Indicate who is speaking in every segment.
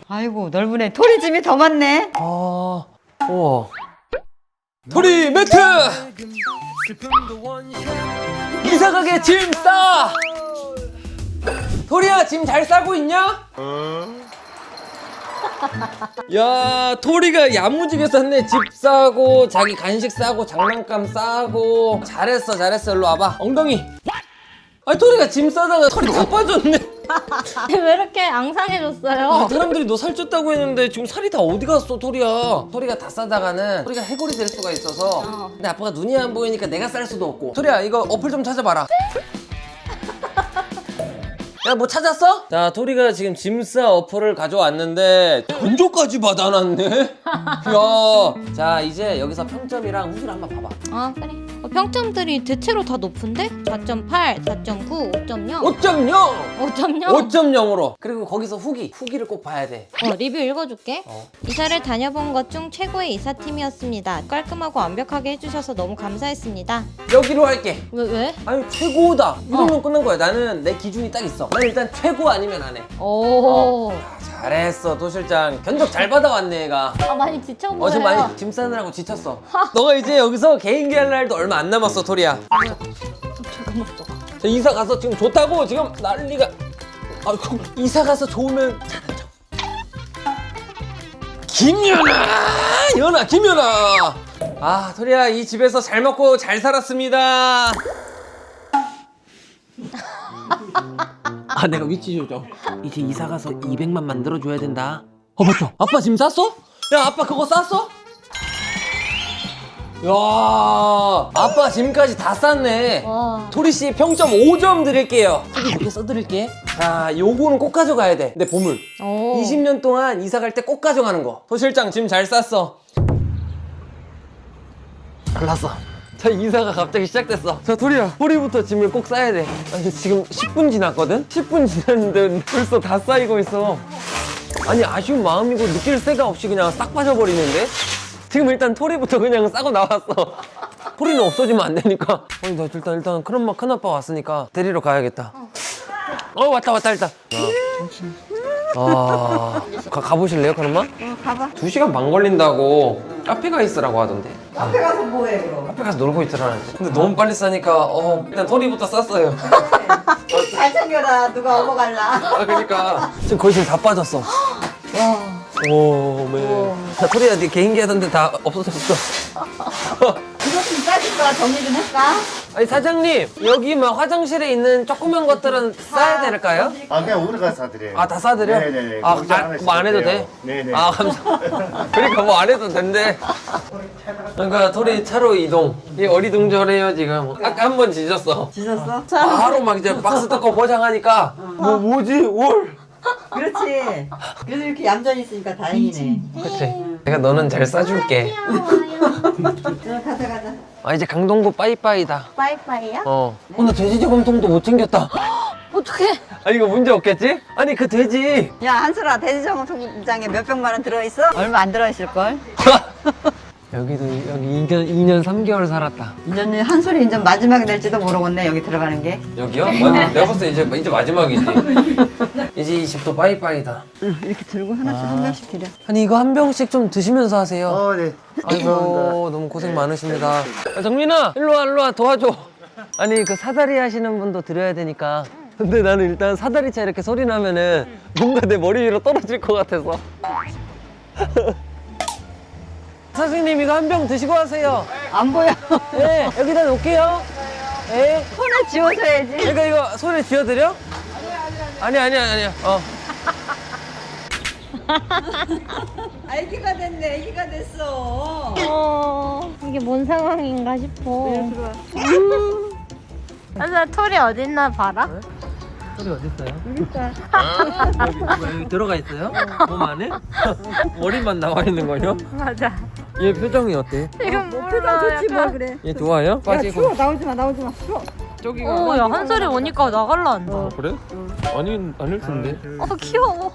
Speaker 1: 아이고 넓으네. 토리 짐이 더 많네.
Speaker 2: 우와. 토리 매트! 이사가게 짐 싸! 토리야, 짐 잘 싸고 있냐? 야, 토리가 야무지게 쌌네. 집 싸고, 자기 간식 싸고, 장난감 싸고. 잘했어, 잘했어. 일로 와봐. 엉덩이. 아니, 토리가 짐 싸다가 털이 다 빠졌네.
Speaker 3: 왜 이렇게 앙상해졌어요?
Speaker 2: 사람들이 너 살쪘다고 했는데 지금 살이 다 어디 갔어, 토리야? 토리가 다 싸다가는 토리가 해골이 될 수가 있어서. 근데 아빠가 눈이 안 보이니까 내가 쌀 수도 없고. 토리야, 이거 어플 좀 찾아봐라. 야, 뭐 찾았어? 자, 토리가 지금 짐싸 어플을 가져왔는데 견조까지 받아놨네? 야, 자, 이제 여기서 평점이랑 후기를 한번 봐봐.
Speaker 3: 아 그래. 평점들이 대체로 다 높은데? 4.8, 4.9, 5.0
Speaker 2: 5.0!
Speaker 3: 5.0?
Speaker 2: 5.0으로. 그리고 거기서 후기를 꼭 봐야 돼.
Speaker 3: 리뷰 읽어줄게. 이사를 다녀본 것 중 최고의 이사팀이었습니다. 깔끔하고 완벽하게 해주셔서 너무 감사했습니다.
Speaker 2: 여기로 할게.
Speaker 3: 왜?
Speaker 2: 아니, 최고다. 이러면 끝난 거야. 나는 내 기준이 딱 있어. 나는 일단 최고 아니면 안 해.
Speaker 3: 오.
Speaker 2: 잘했어, 도 실장. 견적 잘 받아왔네, 얘가.
Speaker 3: 많이 지쳐 보여요.
Speaker 2: 지금 많이 짐 싸느라고 지쳤어. 너가 이제 여기서 개인기 할 날도 얼마 안 남았어, 토리야. 자, 이사 가서 지금 좋다고 지금 난리가. 아이고, 이사 가서 좋으면 잘하죠. 김연아. 아, 토리야, 이 집에서 잘 먹고 잘 살았습니다. 아, 내가 위치 조정. 이제 이사 가서 200만 만들어줘야 된다. 맞다. 아빠 짐 쌌어? 야, 아빠 그거 쌌어? 야, 아빠 짐까지 다 쌌네.
Speaker 3: 와.
Speaker 2: 토리 씨 평점 5점 드릴게요. 여기 이렇게 써드릴게. 자, 요거는 꼭 가져가야 돼. 내 보물.
Speaker 3: 오.
Speaker 2: 20년 동안 이사 갈 때 꼭 가져가는 거. 도 실장 짐 잘 쌌어. 잘났어. 자, 이사가 갑자기 시작됐어. 자, 토리부터 짐을 꼭 싸야 돼. 아니, 지금 10분 지났거든? 10분 지났는데 벌써 다 쌓이고 있어. 아니, 아쉬운 마음이고 느낄 새가 없이 그냥 싹 빠져버리는데? 지금 일단 토리부터 그냥 싸고 나왔어. 토리는 없어지면 안 되니까. 아니, 나 일단 큰아빠 왔으니까 데리러 가야겠다. 왔다, 일단. 가보실래요, 큰엄마?
Speaker 1: 가봐.
Speaker 2: 2시간 반 걸린다고 카페가 있으라고 하던데.
Speaker 1: 카페 가서 뭐해 그럼?
Speaker 2: 카페 가서 놀고 있으라는데. 근데 너무 빨리 싸니까 일단 토리부터 쌌어요.
Speaker 1: 잘 챙겨라. 누가 업어갈라.
Speaker 2: 그러니까 지금 거의 지금 다 빠졌어. 오, 네. 자, 토리야, 네 개인기 하던데 다 없어졌어.
Speaker 1: 이거 좀 싸줄까? 정리 좀 할까?
Speaker 2: 아니, 사장님, 여기 막 화장실에 있는 조그만 것들은 싸야 될까요?
Speaker 4: 그냥 오늘 가서 사드려요.
Speaker 2: 다 싸드려?
Speaker 4: 네네네.
Speaker 2: 뭐 안 해도 돼?
Speaker 4: 돼요. 네네.
Speaker 2: 감사합니다. 그러니까 뭐 안 해도 된대. 그러니까 토리 차로 이동. 이 어리둥절해요, 지금. 아까 한 번 지졌어.
Speaker 1: 지셨어?
Speaker 2: 바로 막 이제 박스 뜯고 포장하니까 뭐지? 올.
Speaker 1: 그렇지. 그래도 이렇게 얌전히 있으니까 다행이네.
Speaker 2: 그치? 내가 너는 잘 싸줄게.
Speaker 1: 가자.
Speaker 2: 이제 강동구 빠이빠이다.
Speaker 3: 빠이빠이야?
Speaker 2: 나 돼지 저금통도 못 챙겼다.
Speaker 3: 어떡해.
Speaker 2: 이거 문제 없겠지? 아니, 그 돼지.
Speaker 1: 야 한솔아 돼지정통장에 몇 병만 원 들어있어? 얼마 안 들어있을걸?
Speaker 2: 여기 2년 3개월 살았다.
Speaker 1: 이제는 한솔이 이제 마지막이 될지도 모르겠네 여기 들어가는 게.
Speaker 2: 여기요? 내가 봤을 때 이제 마지막이지. 이제 이 집도 빠이빠이다.
Speaker 1: 응, 이렇게 들고 하나씩 한 병씩 드려.
Speaker 2: 아니, 이거 한 병씩 좀 드시면서 하세요.
Speaker 4: 네.
Speaker 2: 아이고, 너무 고생 많으십니다. 정민아, 일로 와, 도와줘. 아니, 그 사다리 하시는 분도 드려야 되니까. 근데 나는 일단 사다리차 이렇게 소리 나면은 뭔가 내 머리 위로 떨어질 것 같아서. 선생님, 이거 한 병 드시고 하세요.
Speaker 1: 안 보여.
Speaker 2: 네, 여기다 놓을게요. 네.
Speaker 1: 손에 쥐어줘야지.
Speaker 2: 그러니까 이거 손에 쥐어드려? 아니야.
Speaker 1: 애기가 됐네. 애기가 됐어.
Speaker 3: 이게 뭔 상황인가 싶어.
Speaker 1: 들어와.
Speaker 3: 그래서 털이 어딨나 봐라.
Speaker 2: 소리 어딨어요?
Speaker 1: 여기 있다.
Speaker 2: 여기 들어가 있어요? 몸 안에? 머리만 나와 있는 거요?
Speaker 3: 맞아.
Speaker 2: 얘 표정이 어때?
Speaker 3: 지금
Speaker 1: 표정 좋지 뭐 그래.
Speaker 2: 얘 좋아요?
Speaker 1: 야
Speaker 2: 빠지고.
Speaker 1: 추워 나오지 마. 추워.
Speaker 3: 야 한솔이 오니까 나갈라 한다.
Speaker 2: 그래? 아닐 텐데.
Speaker 3: 귀여워.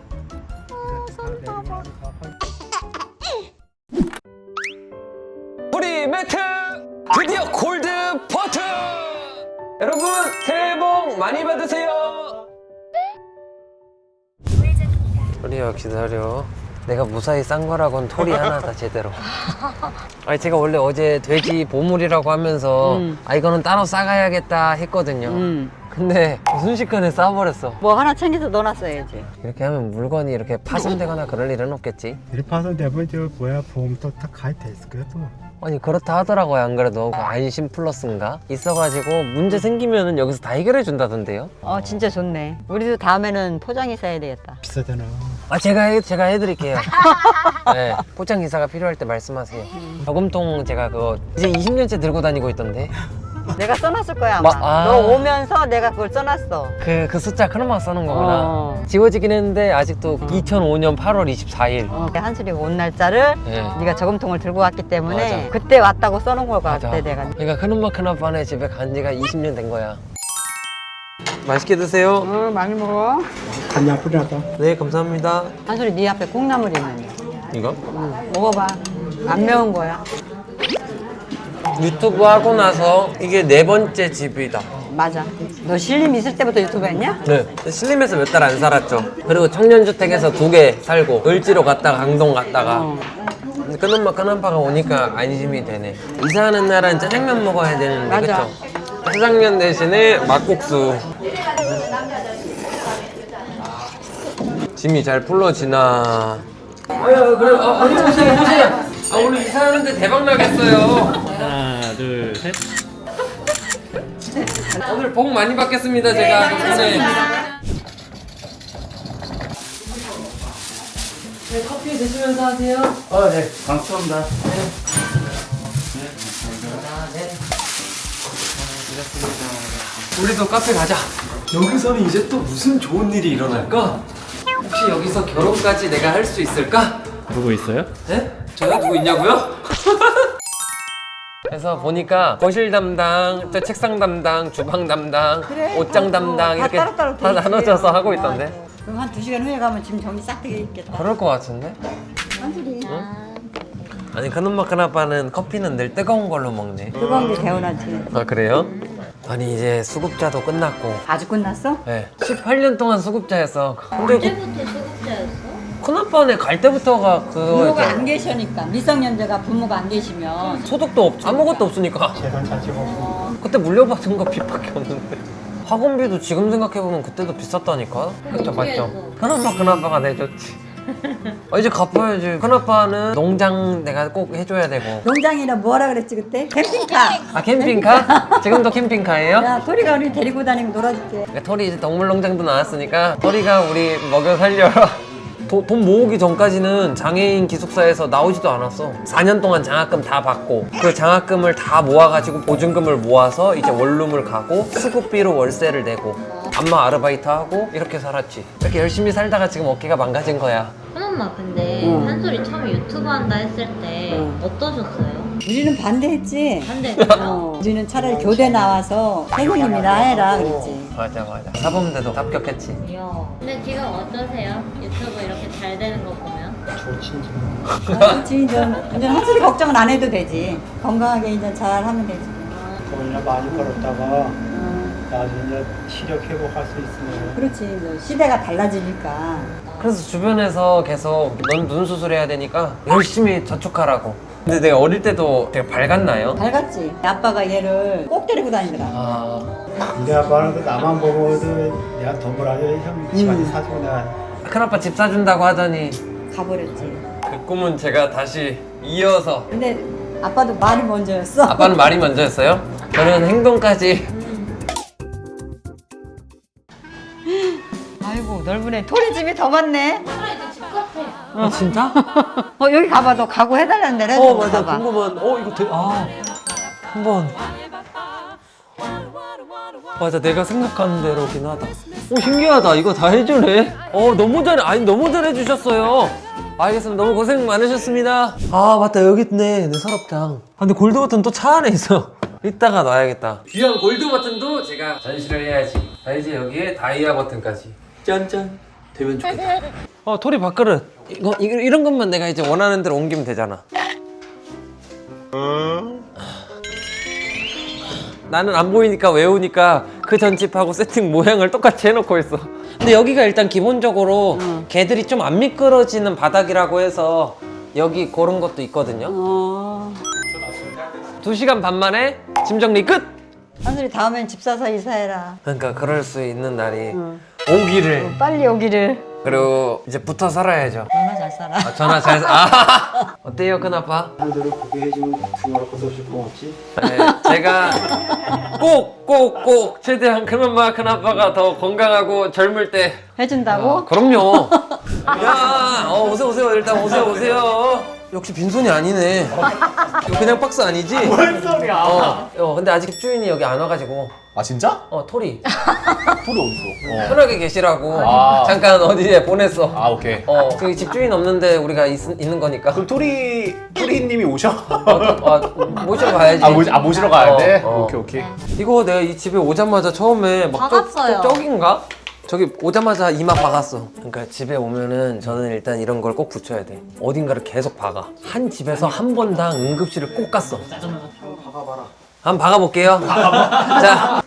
Speaker 2: 우리 매트 드디어 골드 버튼! 여러분, 새해 복 많이 받으세요. 토리야 기다려. 내가 무사히 싼 거라고는 토리 하나다 제대로. 아니 제가 원래 어제 돼지 보물이라고 하면서 아 이거는 따로 싸가야겠다 했거든요. 근데 순식간에 싸버렸어.
Speaker 1: 뭐 하나 챙겨서 넣어놨어야지.
Speaker 2: 이렇게 하면 물건이 이렇게 파손되거나 그럴 일은 없겠지?
Speaker 4: 이렇게 파손되면 저 뭐야 보험도 다 가입돼 있을 거야 또.
Speaker 2: 아니 그렇다 하더라고요. 안 그래도 그 안심 플러스인가 있어가지고 문제 생기면은 여기서 다 해결해 준다던데요.
Speaker 1: 진짜 좋네. 우리도 다음에는 포장이 사야 되겠다.
Speaker 4: 비싸잖아.
Speaker 2: 아 제가 해드릴게요. 네, 포장 기사가 필요할 때 말씀하세요. 저금통 제가 그거 이제 20년째 들고 다니고 있던데.
Speaker 1: 내가 써놨을 거야 아마. 너 오면서 내가 그걸 써놨어.
Speaker 2: 그 숫자 크로마 써는 거구나.
Speaker 1: 어.
Speaker 2: 지워지긴 했는데 아직도 2005년 8월 24일.
Speaker 1: 한술이가 온 날짜를
Speaker 2: 네.
Speaker 1: 네가 저금통을 들고 왔기 때문에
Speaker 2: 맞아.
Speaker 1: 그때 왔다고 써놓은 걸
Speaker 2: 맞아.
Speaker 1: 같아 내가.
Speaker 2: 그러니까 큰엄마 큰아빠네 집에 간 지가 20년 된 거야. 맛있게 드세요.
Speaker 1: 많이 먹어.
Speaker 4: 간이 아프다다.
Speaker 2: 네 감사합니다.
Speaker 1: 한술이 네 앞에 콩나물이 있는데.
Speaker 2: 이거?
Speaker 1: 먹어봐. 안 매운 거야.
Speaker 2: 유튜브 하고 나서 이게 4번째 집이다.
Speaker 1: 맞아. 너 신림 있을 때부터 유튜브 했냐?
Speaker 2: 네. 신림에서 몇 달 안 살았죠. 그리고 청년주택에서 2개 살고 을지로 갔다가 강동 갔다가 근데 큰엄마 큰아빠가 오니까 안심이 되네. 이사하는 날은 짜장면 먹어야 되는데
Speaker 1: 맞아.
Speaker 2: 그쵸? 짜장면 대신에 막국수. 짐이 잘 풀러지나. 아유 그래 보세요. 아 오늘 이사하는데 대박 나겠어요.
Speaker 4: 하나 둘 셋.
Speaker 2: 오늘 복 많이 받겠습니다 제가. 네. 네, 커피 드시면서 하세요.
Speaker 4: 네. 감사합니다.
Speaker 2: 우리도 카페 가자. 여기서는 이제 또 무슨 좋은 일이 일어날까? 혹시 여기서 결혼까지 내가 할 수 있을까?
Speaker 4: 누구 있어요?
Speaker 2: 네? 저요? 누구 있냐고요? 그래서 보니까 거실 담당, 저 책상 담당, 주방 담당,
Speaker 1: 그래,
Speaker 2: 옷장
Speaker 1: 다
Speaker 2: 담당 이렇게
Speaker 1: 따로따로
Speaker 2: 다
Speaker 1: 돼 있지.
Speaker 2: 나눠져서 하고 있던데.
Speaker 1: 그럼 한 2시간 후에 가면 지금 정리 싹 되게 있겠다.
Speaker 2: 그럴 것 같은데?
Speaker 1: 한술이.
Speaker 2: 아니 큰엄마 큰아빠는 커피는 늘 뜨거운 걸로 먹네.
Speaker 1: 뜨거운 게 개운하지.
Speaker 2: 아 그래요? 아니 이제 수급자도 끝났고
Speaker 1: 아주 끝났어?
Speaker 2: 네 18년 동안 수급자였어. 근데
Speaker 3: 언제부터 수급자였어?
Speaker 2: 큰아빠네 갈 때부터가
Speaker 1: 부모가
Speaker 2: 그거였잖아.
Speaker 1: 안 계시니까 미성년자가 부모가 안 계시면
Speaker 2: 소득도 없 아무것도 없으니까
Speaker 4: 재산 자체가 없어.
Speaker 2: 그때 물려받은 거 빚밖에 없는데 학원비도 지금 생각해보면 그때도 비쌌다니까. 그쵸 맞죠? 큰아빠 큰아빠가 내줬지. 아, 이제 갚아야지. 큰아빠는 농장 내가 꼭 해줘야 되고.
Speaker 1: 농장이라 뭐라 그랬지 그때? 캠핑카.
Speaker 2: 아 캠핑카? 지금도 캠핑카예요?
Speaker 1: 야 토리가 우리 데리고 다니고 놀아줄게.
Speaker 2: 그러니까 토리 이제 동물농장도 나왔으니까 토리가 우리 먹여 살려. 돈 모으기 전까지는 장애인 기숙사에서 나오지도 않았어. 4년 동안 장학금 다 받고 그 장학금을 다 모아가지고 보증금을 모아서 이제 원룸을 가고 수급비로 월세를 내고 안마 아르바이트 하고 이렇게 살았지. 이렇게 열심히 살다가 지금 어깨가 망가진 거야.
Speaker 3: 큰엄마 근데 한솔이 처음에 유튜브 한다 했을 때 어떠셨어요?
Speaker 1: 우리는 반대했지.
Speaker 3: 반대했어요?
Speaker 1: 우리는 차라리 교대 나와서 선생님이나 해라 그랬지.
Speaker 2: 맞아. 사범대도 합격했지.
Speaker 3: 이야. 근데 지금 어떠세요? 유튜브 이렇게 잘 되는 거 보면?
Speaker 4: 좋지.
Speaker 1: 그렇지. 이제 한술이 걱정은 안 해도 되지. 건강하게 이제 잘 하면 되지.
Speaker 4: 돈이나 많이 벌었다가 나중에 시력 회복할 수 있으면.
Speaker 1: 그렇지. 이제 시대가 달라지니까.
Speaker 2: 그래서 주변에서 계속 넌 눈 수술해야 되니까 열심히 저축하라고. 근데 내가 어릴 때도 되게 밝았나요?
Speaker 1: 밝았지. 아빠가 얘를 꼭 데리고 다니더라.
Speaker 2: 아
Speaker 4: 우리 아빠는 그 나만 보고도 내가 돈 벌어서 형 집안에 사주고 내가
Speaker 2: 큰아빠 집 사준다고 하더니
Speaker 1: 가버렸지.
Speaker 2: 그 꿈은 제가 다시 이어서.
Speaker 1: 근데 아빠도 말이 먼저였어.
Speaker 2: 아빠는 말이 먼저였어요? 저는 행동까지.
Speaker 1: 아이고 넓으네. 토리 집이 더 많네.
Speaker 2: 아 진짜?
Speaker 1: 여기 가봐. 너 가구 해달라는 데를
Speaker 2: 맞아
Speaker 1: 가봐.
Speaker 2: 궁금한. 이거 되게 한번. 맞아 내가 생각하는 대로긴 하다. 신기하다. 이거 다 해주네. 너무 잘해. 아니 너무 잘해주셨어요. 알겠습니다. 너무 고생 많으셨습니다. 아 맞다 여기 있네 내 서랍장. 근데 골드 버튼 또 차 안에 있어. 이따가 놔야겠다. 귀한 골드 버튼도 제가 전시를 해야지. 이제 여기에 다이아 버튼까지. 짠짠. 되면 좋겠다. 토리 밥그릇. 이런 것만 내가 이제 원하는 대로 옮기면 되잖아. 나는 안 보이니까 외우니까 그 전집하고 세팅 모양을 똑같이 해놓고 있어. 근데 여기가 일단 기본적으로 개들이 좀 안 미끄러지는 바닥이라고 해서 여기 그런 것도 있거든요. 2시간 반 만에 짐 정리 끝!
Speaker 1: 한솔이 다음엔 집 사서 이사해라.
Speaker 2: 그러니까 그럴 수 있는 날이 오기를.
Speaker 1: 빨리 오기를.
Speaker 2: 그리고 이제 붙어 살아야죠.
Speaker 1: 얼마나 잘 살아.
Speaker 2: 아, 전화 잘 아. 어때요, 큰아빠?
Speaker 4: 사람들을 보게 해주면 두말할 것도 없이 고맙지.
Speaker 2: 네, 제가 꼭 최대한 큰엄마 큰아빠가 더 건강하고 젊을 때.
Speaker 1: 해준다고?
Speaker 2: 그럼요. 야, 오세요. 일단 오세요. 역시 빈손이 아니네. 이거 그냥 박스 아니지?
Speaker 4: 뭔 소리야?
Speaker 2: 근데 아직 집주인이 여기 안 와가지고.
Speaker 5: 아 진짜?
Speaker 2: 토리.
Speaker 5: 토리 어딨어?
Speaker 2: 편하게 계시라고.
Speaker 5: 아.
Speaker 2: 잠깐 어디에 보냈어.
Speaker 5: 아 오케이.
Speaker 2: 저기 집주인 없는데 우리가 있는 거니까.
Speaker 5: 그럼 토리님이 오셔?
Speaker 2: 모시러 가야지.
Speaker 5: 모시러 가야 돼?
Speaker 2: 어.
Speaker 5: 오케이.
Speaker 2: 이거 내가 이 집에 오자마자 처음에 막
Speaker 3: 박았어요.
Speaker 2: 저긴가? 저기 오자마자 이마 박았어. 그러니까 집에 오면은 저는 일단 이런 걸 꼭 붙여야 돼. 어딘가를 계속 박아. 한 집에서 한 번당 응급실을 꼭 갔어. 한번 박아볼게요. 자,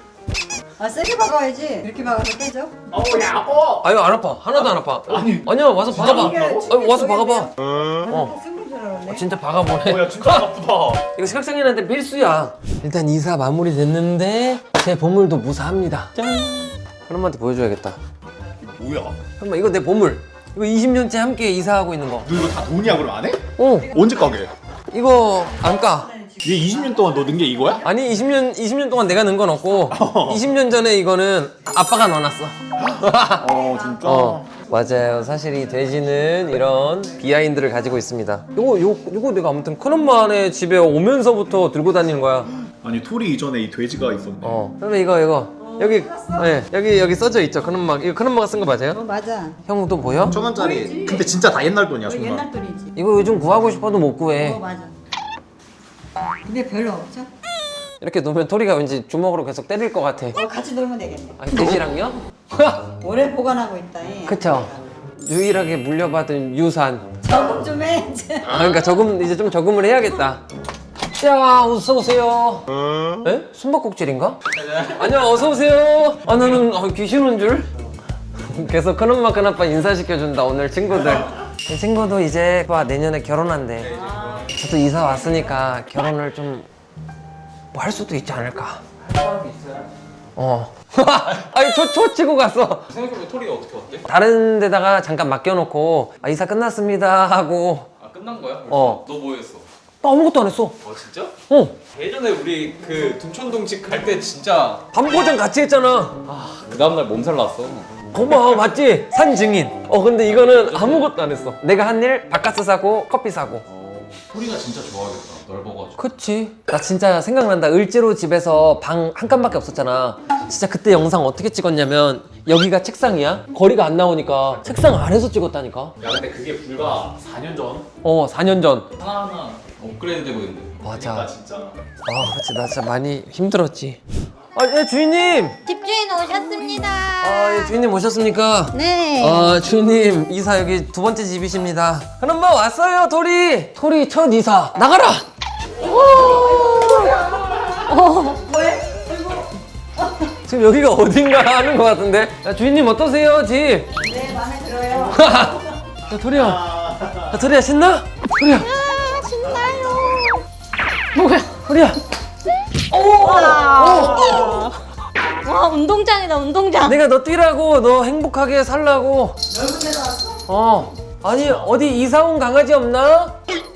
Speaker 1: 세게 박아야지. 이렇게 박아서 깨져?
Speaker 2: 아유 안 아파. 하나도 안 아파. 아니야 와서 박아봐. 와서 박아봐.
Speaker 1: 쓴줄 알았네.
Speaker 2: 진짜 박아보네.
Speaker 5: 야 진짜 아프다.
Speaker 2: 이거 시각장애인한테 필수야. 일단 이사 마무리 됐는데 제 보물도 무사합니다. 짠. 큰엄마한테 보여줘야겠다.
Speaker 5: 뭐야?
Speaker 2: 엄마 이거 내 보물. 이거 20년째 함께 이사하고 있는 거.
Speaker 5: 너 이거 다 돈이야 그럼 안 해?
Speaker 2: 언제
Speaker 5: 까게?
Speaker 2: 이거 안 까.
Speaker 5: 얘 20년 동안 너 넣은 게 이거야?
Speaker 2: 아니 20년 동안 내가 넣은 건 없고 20년 전에 이거는 아빠가 넣어놨어.
Speaker 5: 진짜?
Speaker 2: 맞아요. 사실 이 돼지는 이런 비하인드를 가지고 있습니다. 요거 내가 아무튼 큰엄마네 집에 오면서부터 들고 다니는 거야.
Speaker 5: 아니 토리 이전에 이 돼지가 있었네.
Speaker 2: 그러면 이거 여기 여기 써져 있죠. 큰엄마 이거 큰엄마가 쓴 거 맞아요?
Speaker 1: 맞아.
Speaker 2: 형 또 보여?
Speaker 5: 1,000원짜리. 근데 진짜 다 옛날 돈이야 정말.
Speaker 1: 옛날 돈이지.
Speaker 2: 이거 요즘 구하고 싶어도 못 구해.
Speaker 1: 맞아. 근데 별로 없죠?
Speaker 2: 이렇게 놓으면 토리가 왠지 주먹으로 계속 때릴 것 같아.
Speaker 1: 같이 놀면 되겠네.
Speaker 2: 아니 돼지랑요?
Speaker 1: 오래 보관하고 있다.
Speaker 2: 그쵸. 유일하게 물려받은 유산.
Speaker 1: 적응 좀 해. 이제.
Speaker 2: 그러니까 이제 좀 적응을 해야겠다. 야, 어서 오세요. 에? 숨바꼭질인가? 아니야, 어서 오세요. 나는 귀신 온 줄. 계속 큰엄마 큰아빠 인사시켜준다 오늘 친구들. 이 친구도 이제 내년에 결혼한대. 저도 이사 왔으니까 결혼을 좀 뭐 할 수도 있지 않을까. 아니 초 치고 갔어.
Speaker 5: 생각해보면 토리가 어떻게 왔대?
Speaker 2: 다른 데다가 잠깐 맡겨놓고 이사 끝났습니다 하고.
Speaker 6: 끝난 거야?
Speaker 2: 어.
Speaker 6: 너 뭐 했어?
Speaker 2: 나 아무것도 안 했어.
Speaker 6: 진짜?
Speaker 2: 어.
Speaker 6: 예전에 우리 그 둔촌동집 갈 때 진짜
Speaker 2: 반보장 같이 했잖아.
Speaker 6: 그 다음날 몸살 났어.
Speaker 2: 고마워 맞지? 산 증인. 근데 이거는 아무것도 안 했어. 내가 한 일 바카스 사고 커피 사고.
Speaker 6: 토리가 진짜 좋아하겠다. 넓어가지고.
Speaker 2: 그치. 나 진짜 생각난다. 을지로 집에서 방 한 칸밖에 없었잖아. 진짜 그때 영상 어떻게 찍었냐면 여기가 책상이야. 거리가 안 나오니까 책상 아래서 찍었다니까.
Speaker 6: 야 근데 그게 불과 4년 전
Speaker 2: 4년 전.
Speaker 6: 하나하나 업그레이드 되고 있는데.
Speaker 2: 맞아.
Speaker 6: 진짜.
Speaker 2: 그치. 나 진짜 많이 힘들었지. 예, 주인님.
Speaker 3: 집주인 오셨습니다.
Speaker 2: 예, 주인님 오셨습니까?
Speaker 3: 네.
Speaker 2: 주인님 이사 여기 두 번째 집이십니다. 큰엄마 왔어요 토리. 토리 첫 이사 나가라. 지금 여기가 어딘가 하는 것 같은데. 야, 주인님 어떠세요 집?
Speaker 1: 네, 마음에 들어요.
Speaker 2: 야 토리야 신나? 토리야
Speaker 3: 신나요.
Speaker 2: 토리야.
Speaker 3: 와 운동장이다 운동장.
Speaker 2: 내가 너 뛰라고 너 행복하게 살라고.
Speaker 1: 넓은 데로 왔어?
Speaker 2: 아니 어디 이사 온 강아지 없나?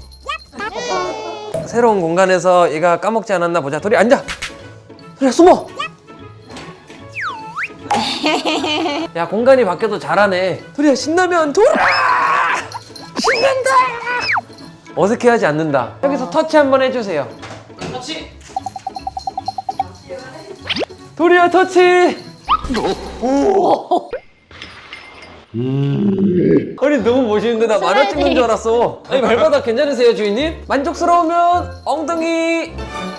Speaker 2: 새로운 공간에서 얘가 까먹지 않았나 보자. 토리 앉아. 토리야 숨어. 야 공간이 바뀌어도 잘하네. 토리야 신나면 돌아. 신난다. 어색해하지 않는다. 여기서 터치 한번 해주세요.
Speaker 6: 터치.
Speaker 2: 토리야 터치. 아니 너무 멋있는데 나 만화 찍는 줄 알았어. 아니 발바닥 괜찮으세요 주인님? 만족스러우면 엉덩이.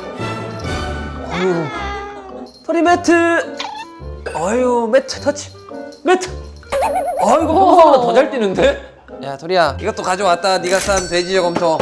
Speaker 2: 아유 토리 매트. 아유 매트 터치. 매트. 이거 평소보다 더 잘 뛰는데? 야 토리야 이것도 가져왔다. 네가 싼 돼지 저검토.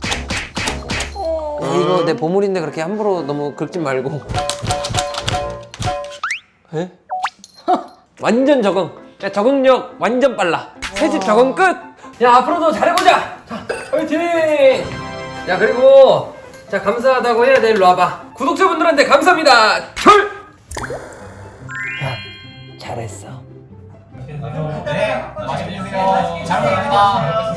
Speaker 2: 야, 이거 내 보물인데 그렇게 함부로 너무 긁지 말고. 에? 완전 적응. 야, 적응력 완전 빨라. 새집 적응 끝. 야, 앞으로도 잘해보자. 자, 화이팅. 야, 그리고 자, 감사하다고 해야 돼. 일로 와봐. 구독자분들한테 감사합니다. 철. 야, 잘했어.
Speaker 7: 네, 맛있게 드세요. 잘 먹습니다.